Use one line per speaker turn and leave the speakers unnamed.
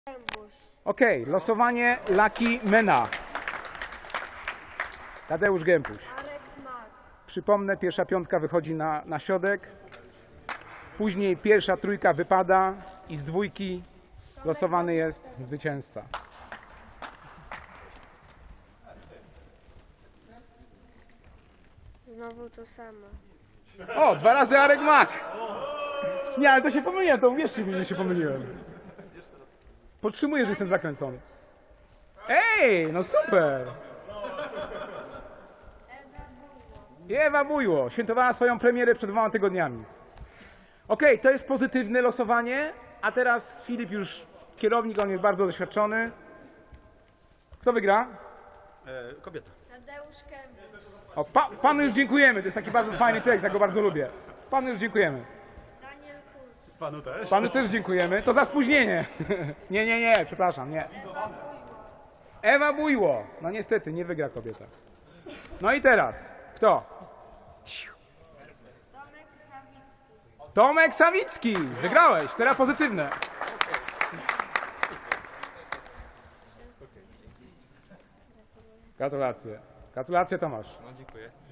Okej, losowanie Lucky Mena. Tadeusz Gępuś. Przypomnę, pierwsza piątka wychodzi na środek. Później pierwsza trójka wypada i z dwójki losowany jest zwycięzca.
Znowu to samo.
O, 2 razy Arek Mak. Nie, ale to się pomyliłem, to uwierzcie mi, że się pomyliłem. Podtrzymuję, że jestem zakręcony. Ej, no super. I Ewa Bujło świętowała swoją premierę przed 2 tygodniami. Okej, to jest pozytywne losowanie, a teraz Filip już kierownik, on jest bardzo doświadczony. Kto wygra?
Kobieta.
Tadeusz Kępy.
O, panu już dziękujemy, to jest taki bardzo fajny tekst, ja go bardzo lubię. Panu już dziękujemy.
Daniel Kurz.
Panu też.
Panu też dziękujemy. To za spóźnienie. Nie, przepraszam, nie. Ewa Bujło. No niestety, nie wygra kobieta. No i teraz, kto?
Tomek Sawicki.
Tomek Sawicki. Wygrałeś, teraz pozytywne. Gratulacje. Gratulacje, Tomasz.
No, dziękuję.